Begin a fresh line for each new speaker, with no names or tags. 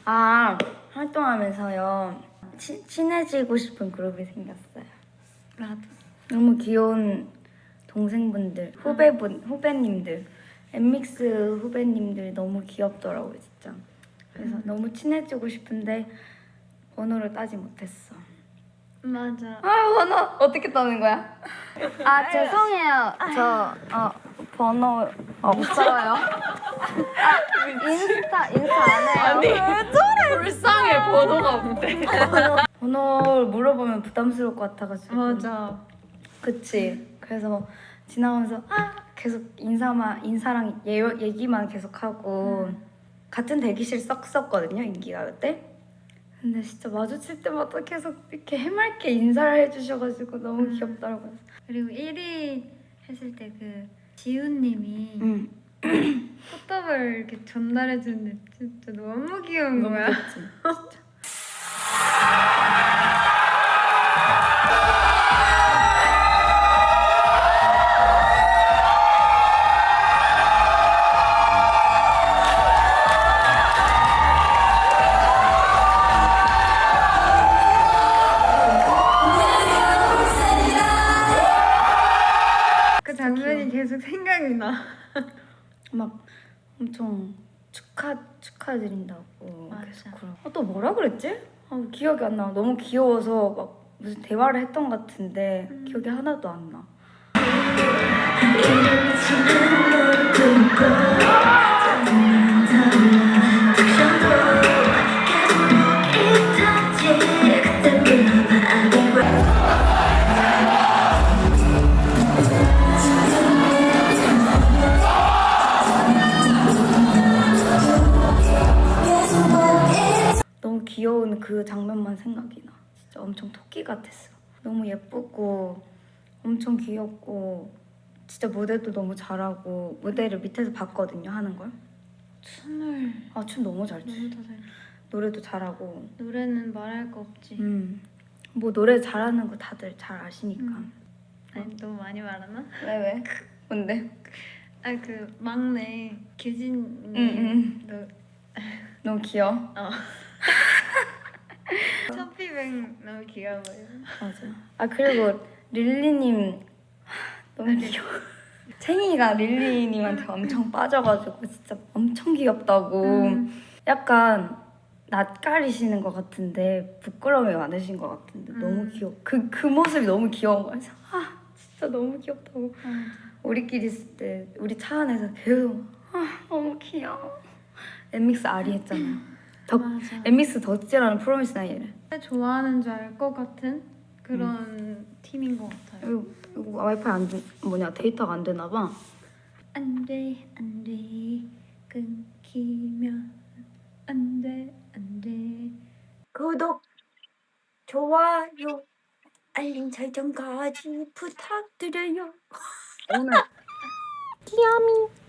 아, 활동하면서요. 친해지고 싶은 그룹이 생겼어요.
나도.
너무 귀여운 동생분들, 후배님들, 엠믹스 후배님들 너무 귀엽더라고요, 진짜. 그래서 너무 친해지고 싶은데 번호를 따지 못했어.
맞아.
아, 번호 어떻게 따는 거야? 아, 죄송해요. 저 번호 없어요. 인스타 안 해요.
아니 왜 저래? 불쌍해 번호가 없대.
번호를 물어보면 부담스러울 것 같아가지고.
맞아.
그치. 그래서 지나가면서 계속 인사랑 얘기만 계속 하고 같은 대기실 썼거든요, 인기가요 때. 근데 진짜 마주칠 때마다 계속 이렇게 해맑게 인사를 해주셔가지고 너무 귀엽더라고요.
그리고 1위 했을 때 그 지훈님이
응.
포토볼 이렇게 전달해주는데 진짜 너무 귀여운
너무
거야.
귀엽지. 진짜.
그 장면이 계속 생각이 나.
막 엄청 축하드린다고
맞아.
계속 그러고. 또 뭐라 그랬지? 기억이 안 나. 너무 귀여워서 막 무슨 대화를 했던 것 같은데 기억이 하나도 안 나. 너무 귀여운 그 장면만 생각이 나. 진짜 엄청 토끼 같았어. 너무 예쁘고 엄청 귀엽고 진짜 무대도 너무 잘하고 무대를 밑에서 봤거든요, 하는 걸.
춤을
춤 너무 잘 추.
너무 더 잘.
노래도 잘하고.
노래는 말할 거 없지.
뭐 노래 잘하는 거 다들 잘 아시니까.
아니 너무 많이 말하나?
왜? 뭔데?
아 그 막내 규진님 너
너무 귀여워.
첫비뱅 너무 귀여워요.
맞아. 그리고 릴리님 너무 귀여워. 챙이가 릴리님한테 엄청 빠져가지고 진짜 엄청 귀엽다고. 약간 낯가리시는 것 같은데 부끄러움이 많으신 것 같은데 너무 귀여워. 그 모습이 너무 귀여운 거야. 그래서 진짜 너무 귀엽다고. 우리끼리 있을 때 우리 차 안에서 계속 너무 귀여워. 엠믹스 아리 했잖아.
맞아.
엠믹스 덕질하는 프로미스 나이를.
좋아하는 줄 알 것 같은 그런 팀인 것 같아요.
이거 와이파이 데이터가 안 되나 봐.
안돼 끊기면 안돼
구독, 좋아요, 알림 설정까지 부탁드려요. 오늘